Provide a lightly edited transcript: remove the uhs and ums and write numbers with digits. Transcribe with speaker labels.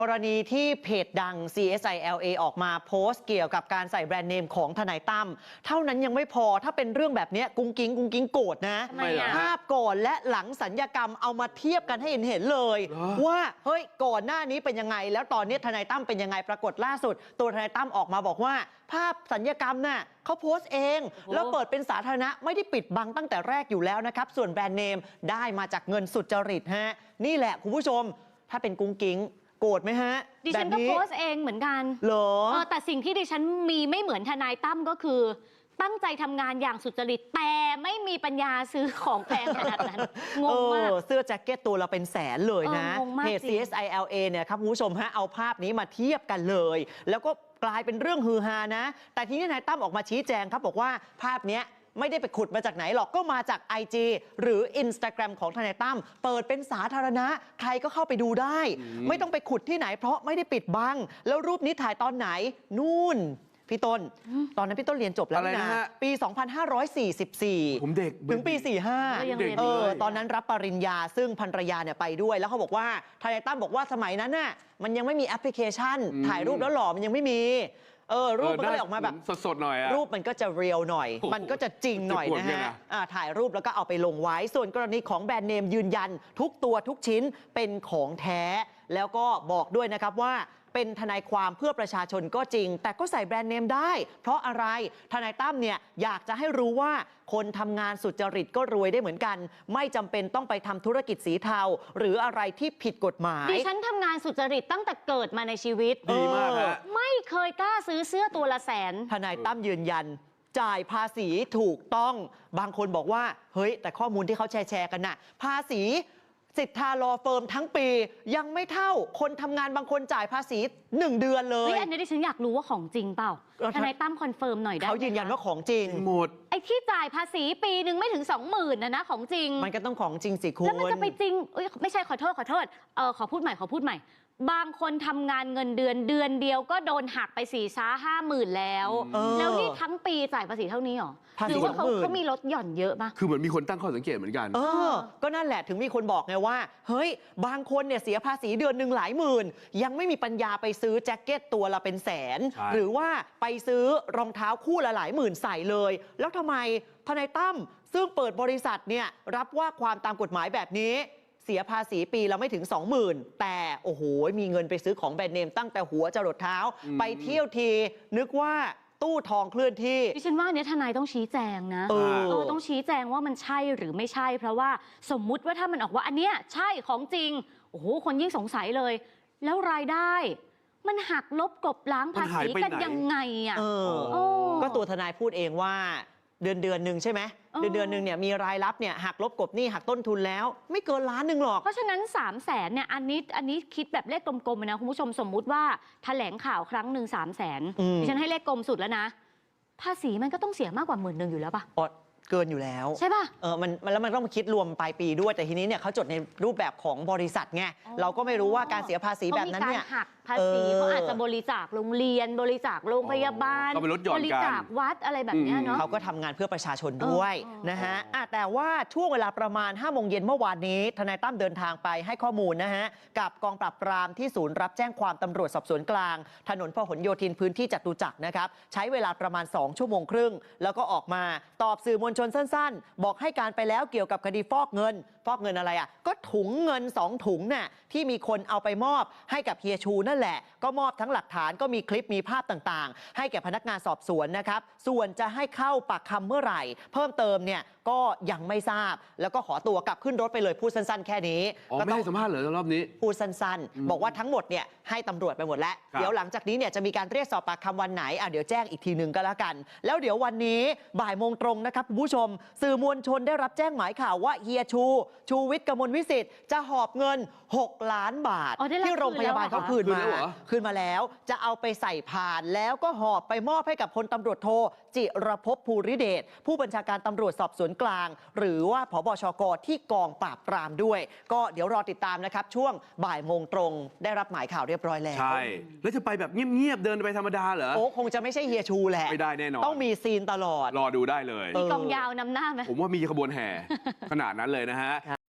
Speaker 1: กรณีที่เพจดัง CSILA ออกมาโพสต์เกี่ยวกับการใส่แบรนด์เนมของทนายตั้มเท่านั้นยังไม่พอถ้าเป็นเรื่องแบบนี้กุ้งกิ้งโกรธนะภาพก่อนและหลังสัญญกรรมเอามาเทียบกันให้เห็นเลยว่าเฮ้ยก่อนหน้านี้เป็นยังไงแล้วตอนนี้ทนายตั้มเป็นยังไงปรากฏล่าสุดตัวทนายตั้มออกมาบอกว่าภาพสัญญกรรมน่ะเขาโพสต์เองแล้วเปิดเป็นสาธารณะไม่ได้ปิดบังตั้งแต่แรกอยู่แล้วนะครับส่วนแบรนด์เนมได้มาจากเงินสุจริตฮะนี่แหละคุณผู้ชมถ้าเป็นกุ้งกิ้งโกรธไหมฮะ
Speaker 2: ดิฉันก็โพสต์เองเหมือนกัน
Speaker 1: เหรอ
Speaker 2: แต่สิ่งที่ดิฉันมีไม่เหมือนทนายตั้มก็คือตั้งใจทำงานอย่างสุจริตแต่ไม่มีปัญญาซื้อของแพงขนาดนั้นงงมาก
Speaker 1: เสื้อแจ็คเก็ตตัวละเป็นแสนเลยนะเพจ CSILA เนี่ยครับคุณผู้ชมฮะเอาภาพนี้มาเทียบกันเลยแล้วก็กลายเป็นเรื่องฮือฮานะแต่ทีนี้ทนายตั้มออกมาชี้แจงครับบอกว่าภาพนี้ไม่ได้ไปขุดมาจากไหนหรอกก็มาจาก IG หรือ Instagram ของทนายตั้มเปิดเป็นสาธารณะใครก็เข้าไปดูได้ไม่ต้องไปขุดที่ไหนเพราะไม่ได้ปิดบังแล้วรูปนี้ถ่ายตอนไหนนู่นพี่ต้นตอนนั้นพี่ต้นเรียนจบแล้วนะปี 2544
Speaker 3: ผมเด็ก
Speaker 1: ถึงปี 45ตอนนั้นรับปริญญาซึ่งภรรยาเนี่ยไปด้วยแล้วเขาบอกว่าทนายตั้มบอกว่าสมัยนั้นน่ะมันยังไม่มีแอปพลิเคชันถ่ายรูปแล้วหล่อมันยังไม่มีรูปมันก็เลยออกมาแบบ
Speaker 3: สดๆหน่อย
Speaker 1: รูปมันก็จะเรียลหน่อยมันก็จะจริงหน่อยนะฮะถ่ายรูปแล้วก็เอาไปลงไว้ส่วนกรณีของแบรนด์เนมยืนยันทุกตัวทุกชิ้นเป็นของแท้แล้วก็บอกด้วยนะครับว่าเป็นทนายความเพื่อประชาชนก็จริงแต่ก็ใส่แบรนด์เนมได้เพราะอะไรทนายตั้มเนี่ยอยากจะให้รู้ว่าคนทำงานสุจริตก็รวยได้เหมือนกันไม่จำเป็นต้องไปทำธุรกิจสีเทาหรืออะไรที่ผิดกฎหมาย
Speaker 2: ดิฉันทำงานสุจริตตั้งแต่เกิดมาในชีวิต
Speaker 3: ดีมาก
Speaker 2: ไม่เคยกล้าซื้อเสื้อตัวละแสน
Speaker 1: ทนายตั้มยืนยันจ่ายภาษีถูกต้องบางคนบอกว่าเฮ้ยแต่ข้อมูลที่เขาแชร์กันน่ะภาษีสิทธาลอเฟิร์มทั้งปียังไม่เท่าคนทำงานบางคนจ่ายภาษี1 เดือนเลย
Speaker 2: อันนี้ดิฉันอยากรู้ว่าของจริงเปล่าทนายตั้มคอนเฟิร์มหน่อยได้
Speaker 1: เขายืนยันว่าของจริง
Speaker 3: หมด
Speaker 2: ไอ้ที่จ่ายภาษีปีหนึ่งไม่ถึง 20,000นะของจริง
Speaker 1: มันก็ต้องของจริงสิคุณ
Speaker 2: แล้วมันจะไปจริงไม่ใช่ขอโทษขอพูดใหม่บางคนทำงานเงินเดือนเดียวก็โดนหักไป4-5 หมื่นแล้วนี่ทั้งปีจ่ายภาษีเท่านี้หรอหรือว่าเขามีลดหย่อนเยอะปะ
Speaker 3: คือเหมือนมีคนตั้งข้อสังเกตเหมือนกัน
Speaker 1: ก็นั่นแหละถึงมีคนบอกไงว่าเฮ้ยบางคนเนี่ยเสียภาษีเดือนหนึ่งหลายหมื่นยังไม่มีปัญญาไปซื้อแจ็คเก็ตตัวละเป็นแสนหรือว่าไปซื้อรองเท้าคู่ละหลายหมื่นใส่เลยแล้วทำไมทนายตั้มซึ่งเปิดบริษัทเนี่ยรับว่าความตามกฎหมายแบบนี้เสียภาษีปีละไม่ถึง 20,000แต่โอ้โหมีเงินไปซื้อของแบรนด์เนมตั้งแต่หัวจรดเท้าไปเที่ยวทีนึกว่าตู้ทองเคลื่อนที่
Speaker 2: ดิฉันว่าเนี่ยทนายต้องชี้แจงนะต้องชี้แจงว่ามันใช่หรือไม่ใช่เพราะว่าสมมุติว่าถ้ามันออกว่าอันเนี้ยใช่ของจริงโอ้โหคนยิ่งสงสัยเลยแล้วรายได้มันหักลบกลบล้างภาษีกันยังไงอ่ะ
Speaker 1: ก็ตัวทนายพูดเองว่าเดือนหนึ่งใช่ไหมเดือนหนึ่งเนี่ยมีรายรับเนี่ยหักลบกบหนี้หักต้นทุนแล้วไม่เกิน1 ล้านหรอก
Speaker 2: เพราะฉะนั้น300,000เนี่ยอันนี้คิดแบบเลขกลมๆนะคุณผู้ชมสมมุติว่าแถลงข่าวครั้งหนึ่ง300,000ดิฉันให้เลขกลมสุดแล้วนะภาษีมันก็ต้องเสียมากกว่า10,000อยู่แล้วป่ะ
Speaker 1: เกินอยู่แล้ว
Speaker 2: ใช่ป่ะ
Speaker 1: แล้วมันต้องมาคิดรวมปลายปีด้วยแต่ทีนี้เนี่ยเขาจดในรูปแบบของบริษัทไงเราก็ไม่รู้ว่าการเสียภาษีแบบนั้นเนี่ย
Speaker 2: หักภาษีเขาอาจจะบริจาคโรงเรียนบริจาคโรงพยาบาลบริจาควัดอะไรแบบนี้เนาะ
Speaker 1: เขาก็ทำงานเพื่อประชาชนด้วยนะฮะแต่ว่าช่วงเวลาประมาณ5 โมงเย็นเมื่อวานนี้ทนายตั้มเดินทางไปให้ข้อมูลนะฮะกับกองปราบปรามที่ศูนย์รับแจ้งความตำรวจสอบสวนกลางถนนพหลโยธินพื้นที่จตุจักรนะครับใช้เวลาประมาณ2 ชั่วโมงครึ่งแล้วก็ออกมาตอบสื่อมวลชนสั้นๆบอกให้การไปแล้วเกี่ยวกับคดีฟอกเงินอะไรอ่ะก็ถุงเงิน2 ถุงน่ะที่มีคนเอาไปมอบให้กับเฮียชูนั่นแหละก็มอบทั้งหลักฐานก็มีคลิปมีภาพต่างๆให้แก่พนักงานสอบสวนนะครับส่วนจะให้เข้าปากคำเมื่อไหร่เพิ่มเติมเนี่ยก็ยังไม่ทราบแล้วก็ขอตัวกลับขึ้นรถไปเลยพูดสั้นๆแค่นี้
Speaker 3: ไม่ให้สัมภาษณ์เหรอรอบนี้
Speaker 1: พูดสั้นๆบอกว่าทั้งหมดเนี่ยให้ตำรวจไปหมดแล้วเดี๋ยวหลังจากนี้เนี่ยจะมีการเรียกสอบปากคำวันไหนเดี๋ยวแจ้งอีกทีนึงก็แล้วกันแล้วเดี๋ยววันนี้บ่ายโมงตรงนะครับคุณผู้ชมสื่อมวลชนได้รับแจ้งหมายข่าวว่าเฮียชูวิทย์กมลวิสิทธิ์จะหอบเงิน6 ล้านบาทที่โรงพยาบาลเขาคืนมาแล้วจะเอาไปใส่พานแล้วก็หอบไปมอบให้กับพลตำรวจโทจิรภพภูริเดชผู้บัญชาการตำรวจสอบสวนกลางหรือว่าผบชก.ที่กองปราบปรามด้วยก็เดี๋ยวรอติดตามนะครับช่วงบ่ายโมงตรงได้รับหมายข่าวเรียบร้อยแล้ว
Speaker 3: ใช่แล้วจะไปแบบเงียบๆเดินไปธรรมดาเหรอ
Speaker 1: คงจะไม่ใช่เฮียชูแหละ
Speaker 3: ไม่ได้แน่นอน
Speaker 1: ต้องมีซีนตลอด
Speaker 3: รอดูได้เลย
Speaker 2: มีกองยาวนำหน้าไหม
Speaker 3: ผมว่ามีขบวนแห่ขนาดนั้นเลยนะฮะ